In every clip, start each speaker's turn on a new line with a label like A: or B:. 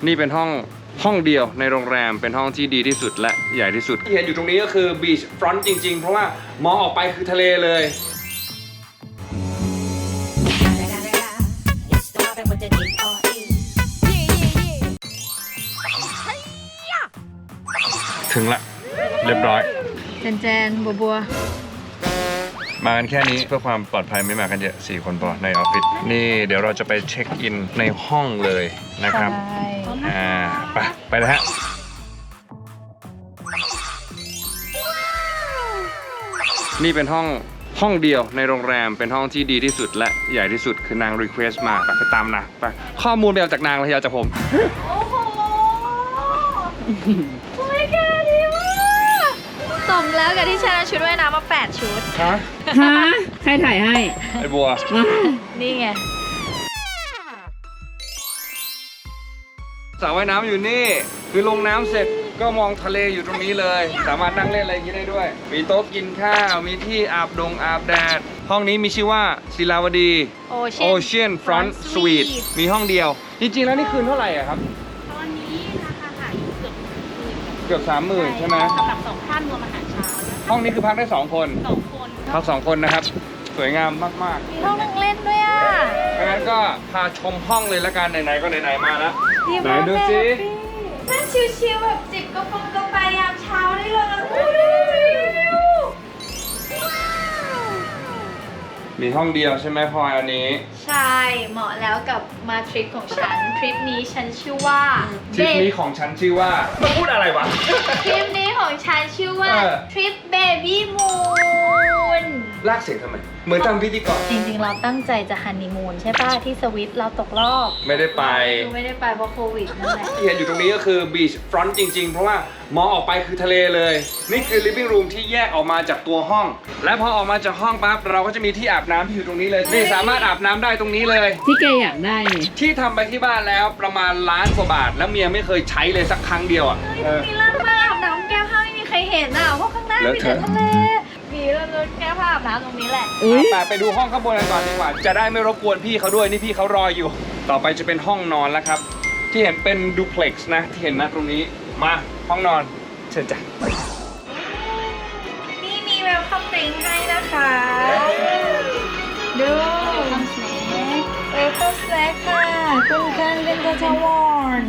A: นี่เป็นห้องเดียวในโรงแรมเป็นห้องที่ดีที่สุดและใหญ่ที่สุดที่เห็นอยู่ตรงนี้ก็คือบีชฟรอนต์จริงๆเพราะว่ามองออกไปคือทะเลเลยถึงละเรียบร้อย
B: แจนบัว
A: มากันแค่นี้เพื่อความปลอดภัยไม่มากันเยอะ4 คนพอในออฟฟิศนี่เดี๋ยวเราจะไปเช็คอินในห้องเลยนะครับไปเลยฮะนี่เป็นห้องเดียวในโรงแรมเป็นห้องที่ดีที่สุดและใหญ่ที่สุดคือนางรีเควสต์มาไปตามนะไปข้อมูลไปเอาจากนางเลยอย่าจากผม
B: โอ้โหโอ้ยแกดีมากสมแล้วกับที่ฉันเอาชุดว่ายน้ำมา8 ชุด
A: ฮะ
C: ใครถ่ายให้
A: ไอ้บัว
B: นี่ไง
A: สระว่ายน้ำอยู่นี่คือลงน้ำเสร็จก็มองทะเลอยู่ตรงนี้เลยสามารถนั่งเล่นอะไรอย่างนี้ได้ด้วยมีโต๊ะกินข้าวมีที่อาบแดดห้องนี้มีชื่อว่าศิลาวดี Ocean Front Suite มีห้องเดียวจริงๆแล้วนี่คืนเท่าไหร่อะครับ
D: ตอนนี้ราคาขายอยู่
A: เกือบ 30,000ใช่ไหม
D: สำหรับ2 ท่านรวมอาหารเช้า
A: ห้องนี้คือพักได้2 คนพัก2 คนนะครับสวยงามมาก
B: ๆมีห้องนั่งเล่นด้วยอ่ะ
A: งั้นก็พาชมห้องเลยละกันไหนๆก็ไหนๆมาแล้วไหนดูสิ
B: นั่งชิลๆแบบจิบกาแฟยามเช้าได้เลย
A: มีห้องเดียวใช่ไหมพลอยอันนี้
B: ใช่เหมาะแล้วกับมาทริปของฉันทริปนี้ฉันชื่อว่า
A: ทริปนี้ของฉันชื่อว่ามาพูดอะไรวะ
B: ทริปนี้ของฉันชื่อว่าทริปเบบี้มูน
A: ลากเสียงทำไมเหมือนทำพิธีกร
B: จริงๆเราตั้งใจจะฮันนีมูนใช่ป่ะที่สวิตเราตกรอบ
A: ไม่ได้ไป
B: เพราะโควิดนั่นแหละ
A: ที่เห็นอยู่ตรงนี้ก็คือบีชฟรอนต์จริงๆเพราะว่ามองออกไปคือทะเลเลยนี่คือ living room ที่แยกออกมาจากตัวห้องและพอออกมาจากห้องปั๊บเราก็จะมีที่อาบน้ำที่อยู่ตรงนี้เลยนี่สามารถอาบน้ำได้ตรงนี้เลย
C: ที่แกอยากได้นี่
A: ที่ทำไปที่บ้านแล้วประมาณ1,000,000 กว่าบาทแล้วเมียไม่เคยใช้เลยสักครั้งเดียวอ่ะ
B: มีเรื่องมาอาบน้ำแก้ผ้าไม่มีใครเห็นอ่ะเพราะข้างหน้ามีแต่ทะเลมีเรื่องแก้ผ้าอาบน้ำตรงนี้แหละ
A: ไปดูห้องข้างบนกันก่อนดีกว่าจะได้ไม่รบกวนพี่เขาด้วยนี่พี่เขารออยู่ต่อไปจะเป็นห้องนอนแล้วครับที่เห็นเป็นดูเพล็กซ์นะที่เห็นนะตรงนี้มาห้องนอนเชิญจ้ะ
B: นี่มีเวลคัมดริงก์ให้นะคะดูเวลคัมสแน็คค่ะคุณกันเป็นกระชาวอน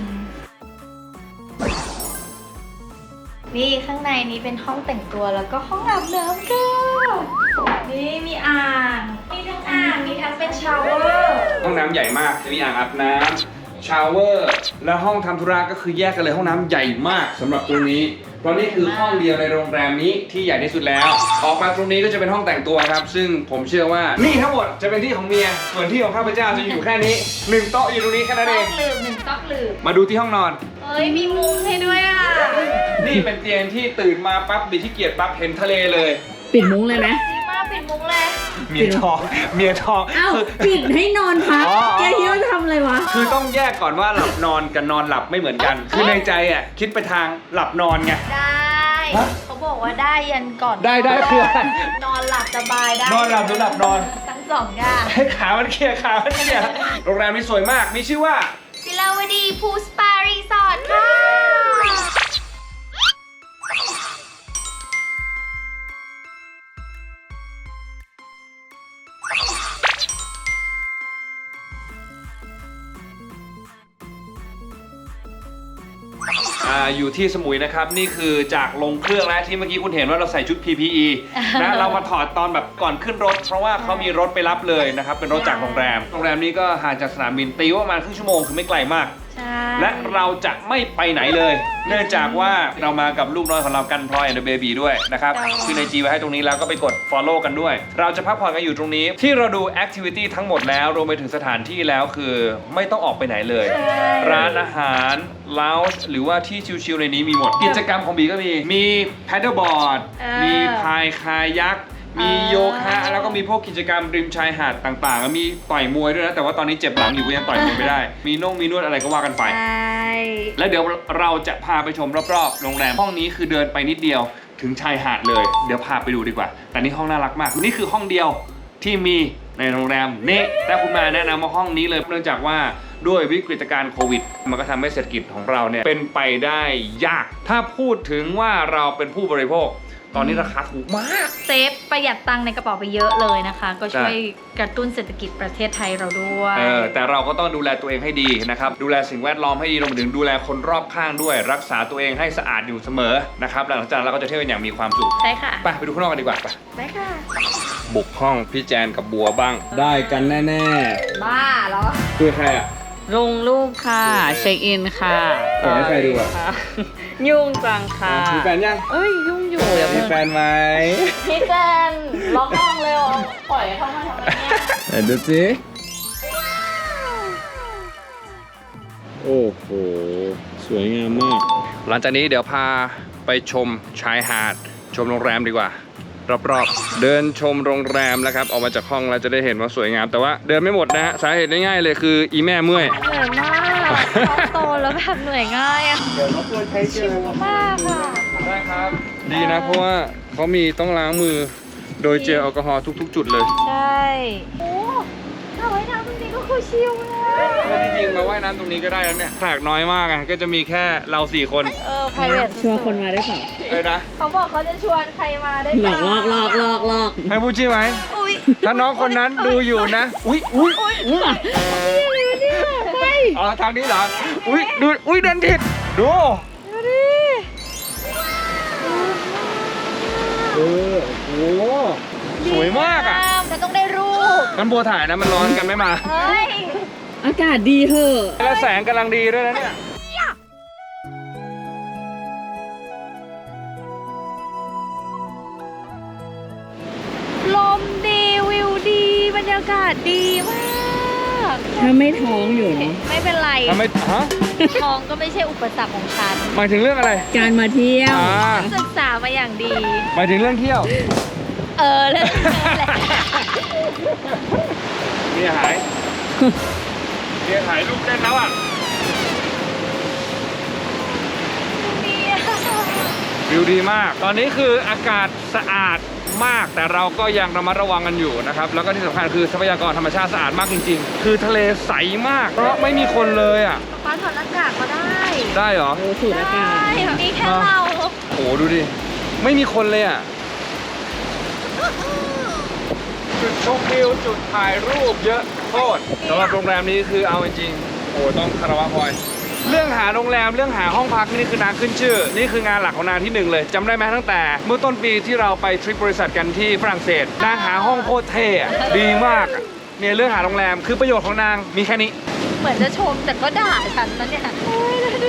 B: นี่ข้างในนี้เป็นห้องแต่งตัวแล้วก็ห้องอาบน้ำค่ะนี่มีอ่างมีทั้งอ่างมีทั้งเป็นชาวเวอร์
A: ห้องน้ำใหญ่มากมีอ่างอาบน้ำชาวเวอร์และห้องทำธุระก็คือแยกกันเลยห้องน้ำใหญ่มากสำหรับตรงนี้เพราะนี่คือห้องเดียวในโรงแรมนี้ที่ใหญ่ที่สุดแล้วออกมาตรงนี้ก็จะเป็นห้องแต่งตัวครับซึ่งผมเชื่อว่านี่ทั้งหมดจะเป็นที่ของเมียส่วนที่ของข้าพเจ้าจะอยู่แค่นี้1 โต๊ะอยู่ตรงนี้แค่นั้นเอง
B: 1 โต๊ะลืม
A: มาดูที่ห้องนอน
B: เฮ้ยมีมุ้งให้ด้วยอ่ะ
A: นี่เป็นเตียงที่ตื่นมาปั๊บบิดที่เกียจปั๊บเห็นทะเลเลย
C: ปิดมุ้งเลยไหม
B: ดีมากปิดมุ้งเลย
A: เมียทอง
C: อ้าวปิดให้นอนพักแกคิดว่าจะทำอะไรวะ
A: คือต้องแยกก่อนว่าหลับนอนกับนอนหลับไม่เหมือนกันคือในใจอ่ะคิดไปทางหลับนอนไง
B: ได้เขาบอกว่าได้ยันก่อน
A: ได้คื
B: อนอนหลับสบายได้
A: นอนหลับหรือหลับนอน
B: ทั้ง2 อย่าง
A: ให้ขามันเคลียร์โรงแรมนี้สวยมากมีชื่อว่า
B: ศิลาวดีพูลสปารีสอร์ทค่ะ
A: อยู่ที่สมุยนะครับนี่คือจากลงเครื่องแล้วที่เมื่อกี้คุณเห็นว่าเราใส่ชุด PPE นะเรามาถอดตอนแบบก่อนขึ้นรถเพราะว่าเขามีรถไปรับเลยนะครับเป็นรถจากโรงแรมนี้ก็ห่างจากสนามบินตีว่าประมาณครึ่งชั่วโมงคือไม่ไกลมากและเราจะไม่ไปไหนเลยเนื่องจากว่าเรามากับลูกน้อยของเรากันพลอยและเบบีด้วยนะครับคือในจีไว้ให้ตรงนี้แล้วก็ไปกด follow กันด้วยเราจะพักผ่อนกันอยู่ตรงนี้ที่เราดู activity ทั้งหมดแล้วรวมไปถึงสถานที่แล้วคือไม่ต้องออกไปไหนเลยร้านอาหารlounge หรือว่าที่ชิลๆในนี้มีหมดกิจกรรมของบีก็มี paddleboard มีพายคายักมีโยคะแล้วก็มีพวกกิจกรรมริมชายหาดต่างๆมีต่อยมวยด้วยนะแต่ว่าตอนนี้เจ็บหลังอยู่ก็ยังต่อยมวยไม่ได้มีมีนวดอะไรก็ว่ากันไปแล้วเดี๋ยวเราจะพาไปชมรอบๆโรงแรมห้องนี้คือเดินไปนิดเดียวถึงชายหาดเลยเดี๋ยวพาไปดูดีกว่าแต่นี่ห้องน่ารักมากนี่คือห้องเดียวที่มีในโรงแรมนี่แต่คุณมาแนะนำว่าห้องนี้เลยเนื่องจากว่าด้วยวิกฤตการณ์โควิดมันก็ทำให้เศรษฐกิจของเราเนี่ยเป็นไปได้ยากถ้าพูดถึงว่าเราเป็นผู้บริโภคตอนนี้ราคาถูกมาก
B: เซฟประหยัดตังค์ในกระเป๋าไปเยอะเลยนะคะ ก็ช่วยกระตุ้นเศรษฐกิจประเทศไทยเราด้วย
A: แต่เราก็ต้องดูแลตัวเองให้ดีนะครับดูแลสิ่งแวดล้อมให้ดีรวมถึงดูแลคนรอบข้างด้วย รักษาตัวเองให้สะอาดอยู่เสมอนะครับหลังจากนั้นเราก็จะเที่ยวกันอย่างมีความสุข
B: ใช่ค่ะ
A: ไปดูข้างนอกกันดีกว่าไป
B: ได้ค่ะ
A: บุกห้องพี่แจนกับบัวบ้าง ได้กันแน่
B: บ้าเหรอ
A: ๆคือใครอ่ะ
C: ลงรูปค่ะ เช็คอินค่ะ
A: ส่งให้ใครดูอ่ะ
C: ค่ะยุ่งจังค่ะ
A: มีแฟนยัง
C: เอ้ยยุ่งอยู่เดี๋ยว
A: มี
C: เพิ่ง
A: แฟนไหม
B: พี่แจนล็อกห้องเลยเหรอปล่อยเข้ามาทำไมเนี่ย
A: ดูสิโอ้โหสวยงามมากหลังจากนี้เดี๋ยวพาไปชมชายหาดชมโรงแรมดีกว่ารอบๆเดินชมโรงแรมแล้วครับออกมาจากห้องเราจะได้เห็นว่าสวยงามแต่ว่าเดินไม่หมดนะฮะสาเหตุง่ายๆเลยคืออีแม่เมื่อย
B: เหนื่อยมากท้องโตแล้วแบบเหนื่อยง่ายอะ
A: เดี๋ยวรบกวนใช้เจล
B: มากค่ะ
A: ได้ครับดีนะเพราะว่าเขามีต้องล้างมือโดยเจลแอลกอฮอล์ทุกๆ จุดเลย
B: ใช่โอ้ถ้าไว้น้ำจริงๆก็คือชิลเลย
A: ถ้าจริงๆมาว่ายน้ำตรงนี้ก็ได้แล้วเนี่ยแขกน้อยมากไงก็จะมีแค่เรา4 คน
B: private
C: ชวนคนมาได้เปล่า
A: เลยนะ
B: เขาบอกเขาจะชวนใครมาได้
C: หลอกลอก
A: ให้พูดชื่อไหม
B: อุ้ย
A: ถ้าน้องคนนั้นดูอยู่นะอุ้ยอ๋อทางนี้เหรออุ้ยดูอุ้ยเดินผิดดู
B: ดูดิ
A: โอ้โหสวยมากอ่ะ
B: จะต้องได้รูป
A: กันบัวถ่ายนะมันร้อนกันไม่มา
B: เฮ้ย
C: อากาศดีเหอะ
A: แล้วแสงกำลังดีด้วยนะเนี่ย
B: ลมดีวิวดีบรรยากาศดีมาก
C: ถ้าไม่ท้องอยู่เนาะ
B: ไม่เป็นไร
A: ทำไมฮะ
B: ท้องก็ไม่ใช่อุปสรรคของฉัน
A: หมายถึงเรื่องอะไร
C: การมาเที่ยว
B: ศึกษามาอย่างดี
A: หมายถึงเรื่องเที่ยว
B: เรื่องนี้แหละ
A: เมียหายเมียหายลูกเต้นแล้วอ่ะ
B: ดีอะ
A: วิวดีมาก ตอนนี้คืออากาศสะอาดมาก แต่เราก็ยังระมัดระวังกันอยู่นะครับ แล้วก็ที่สำคัญคือทรัพยากรธรรมชาติสะอาดมากจริงๆ คือทะเลใสมาก เพราะไม่มีคนเลยอ่ะ
B: ป้าถอดหน้ากากก็ได้
A: ได้เหรอ
C: โอ้สูดอากาศ
B: มีแค่เรา
A: โอ้โหดูดิ ไม่มีคนเลยอ่ะ จุดชมวิวจุดถ่ายรูปเยอะโคตรสำหรับโรงแรมนี้คือเอาจริงๆโอ้ต้องคารวะพลอยเรื่องหาโรงแรมเรื่องหาห้องพักนี่คือนางขึ้นชื่อ นี่คืองานหลักของนางที่หนึ่งเลยจำได้ไหมตั้งแต่เมื่อต้นปีที่เราไปทริปบริษัทกันที่ฝรั่งเศสนางหาห้องโคตรเท่อะดีมากอะเนี่ยเรื่องหาโรงแรมคือประโยชน์ของนางมีแค่นี้
B: เหมือนจะชมแต่ก็ด่าฉันนะเนี่ยโอ้ยดูดิ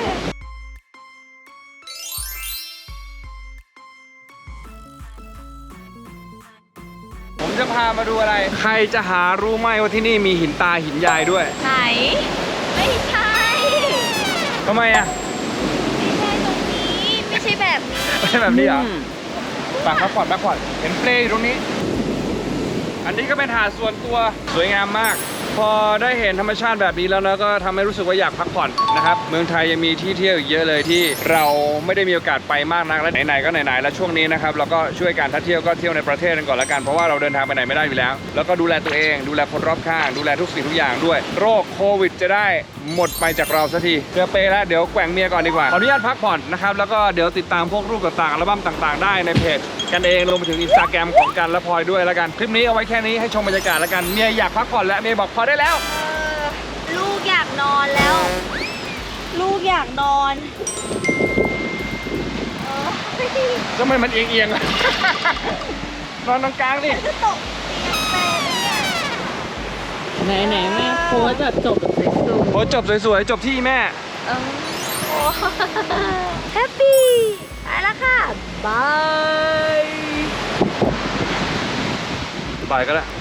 A: ผมจะพามาดูอะไร ใครจะหารู้ไหมว่าที่นี่มีหินตาหินยายด้วย
B: ไหน ไม่ใช่
A: ทำไมอ่ะ
B: ไม่ใช่ตรงนี้ ไม่ใช่แบบนี้
A: ไม่ใช่แบบนี้เหรอปากพักผ่อนเห็นเปลอยู่ตรงนี้ อันนี้ก็เป็นหาดส่วนตัวสวยงามมาก พอได้เห็นธรรมชาติแบบนี้แล้วนะก็ทำให้รู้สึกว่าอยากพักผ่อนนะครับเมืองไทยยังมีที่เที่ยวอีกเยอะเลยที่เราไม่ได้มีโอกาสไปมากนักและไหนๆก็ไหนๆแล้วช่วงนี้นะครับเราก็ช่วยกันถ้าเที่ยวก็เที่ยวในประเทศกันก่อนละกันเพราะว่าเราเดินทางไปไหนไม่ได้อยู่แล้วแล้วก็ดูแลตัวเองดูแลคนรอบข้างดูแลทุกสิ่งทุกอย่างด้วยโรคโควิดจะได้หมดไปจากเราสักทีเจอเปแล้วเดี๋ยวแกว่งเมียก่อนดีกว่าขออนุญาตพักผ่อนนะครับแล้วก็เดี๋ยวติดตามพวกรูปต่างๆอัลบั้มต่างๆได้ในเพจกันเองรวมไปถึง Instagram ของกันและพลอยด้วยละกันคลิปนี้เอาไว้แค่นี้ให้ชมบรรยากาศละกันเมียอยากพักผ่อนแล้วเมียบอกพอได้แล้ว
B: ลูกอยากนอนแล้ว ลูกอยากนอน
A: ทำไมมันเอียงๆอะ นอนตรงกลางดิ
B: จะตกแม่เนี่ย
C: ไหนแม่โพสต์แบบจบแบบสวย
A: โอ้จบสวยๆจบที่แม่
B: โอ้แฮปปี้ไปแล้วค่ะ บาย
A: ไปก็แล้ว